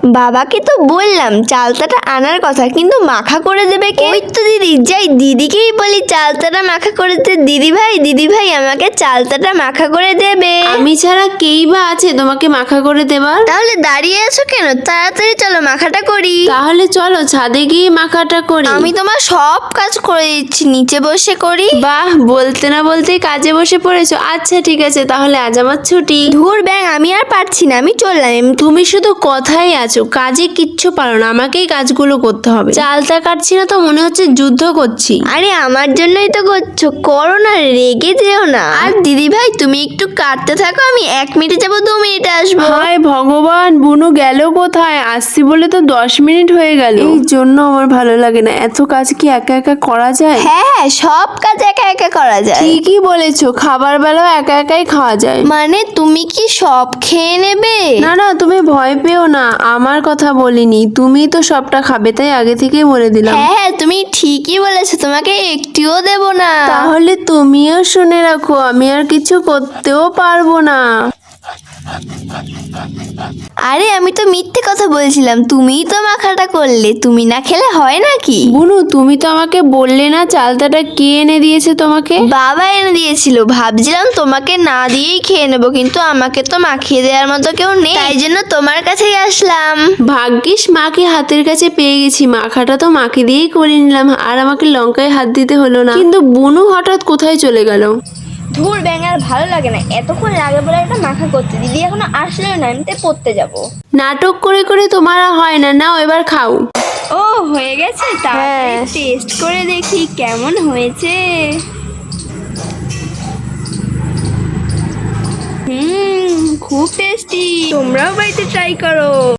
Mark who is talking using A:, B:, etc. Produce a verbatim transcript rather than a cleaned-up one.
A: বাবাকে তো বললাম চালতাটা আনার কথা, কিন্তু মাখা করে দেবে কে? ওই তো দিদি, যাই দিদিকেই বলি চালতাটা মাখা করে দে। দিদি ভাই দিদি ভাই আমাকে চালতাটা মাখা করে দেবে।
B: আমি ছাড়া কেই বা আছে তোমাকে মাখা করে দেবার?
A: তাহলে দাঁড়িয়ে আছো কেন? তাড়াতাড়ি চলো মাখাটা করি।
B: তাহলে চলো ছাদে গিয়ে মাখাটা করি।
A: আমি তোমার সব কাজ করে দিচ্ছি, নিচে বসে করি।
B: বাহ, বলতে না বলতেই কাজে বসে পড়েছো। আচ্ছা ঠিক আছে, তাহলে আজ আমার ছুটি।
A: ধুর ব্যাং, আমি আর পারছি না, আমি চললাম। এম-
B: তুমি শুধু কথাই আছো, কাজে কিচ্ছু পারো না। আমাকেই কাজগুলো করতে হবে। চালটা কাটছি না তো মনে হচ্ছে যুদ্ধ করছি।
A: আরে আমার জন্যই তো করছো, করো না, রেগে যেও না। আর দিদি ভাই তুমি একটু কাটতে থাকো, আমি এক মিনিটে যাবো, দু মিনিটে আসবো।
B: হায় ভগবান, বুনু গেল কোথায়? আসছি বলে তো দশ মিনিট হয়ে গেল। এই জন্য আমার ভালো লাগে না, এত কাজ কি একা একা করা যায়?
A: হ্যাঁ হ্যাঁ, সব কাজ একা একা করা যায়।
B: ঠিকই বলেছো, খাবার বেলাও একা একাই খাওয়া যায়।
A: মানে তুমি কি সব খেয়ে নেবে?
B: না না, তুমি ভয় পেও না, আমার কথা বলিনি। তুমি তো সবটা খাবে, তাই আগে থেকেই বলে দিলাম।
A: হ্যাঁ হ্যাঁ, তুমি ঠিকই বলেছো, তোমাকে একটিও দেব না।
B: তাহলে তুমিও শুনে রাখো, আমি আর কিছু করতেও পারবো না।
A: আরে আমি তো মিথ্যে কথা বলছিলাম, তুমিই তো মাখাটা করলে, তুমি না খেলে হয় নাকি?
B: বুনু, তুমি তো আমাকে বললে না চালতাটা কে এনে দিয়েছে তোমাকে?
A: বাবা এনে দিয়েছিল, ভাবছিলাম তোমাকে না দিয়েই খেয়ে নেবো, কিন্তু আমাকে তো মাখিয়ে দেওয়ার মতো কেউ নেই, তাই জন্য তোমার কাছেই আসলাম।
B: ভাগ্যিস মাকে হাতের কাছে পেয়ে গেছি, মাখাটা তো মাকে দিয়েই করে নিলাম, আর আমাকে লঙ্কায় হাত দিতে হলো না। কিন্তু বুনু হঠাৎ কোথায় চলে গেল?
A: ধুর ব্যাঙ, আর ভালো লাগে না, এতক্ষণ লাগে বলে একটা মাখা করতে। দিদি এখনো আসলেও না, আমি তাই পড়তে যাবো।
B: নাটক করে করে তোমার আর হয় না, নাও এবার খাও।
A: ও হয়ে গেছে, তাড়াতাড়ি টেস্ট করে দেখি কেমন হয়েছে। হুম, খুব টেস্টি, তোমরাও বাড়িতে ট্রাই করো।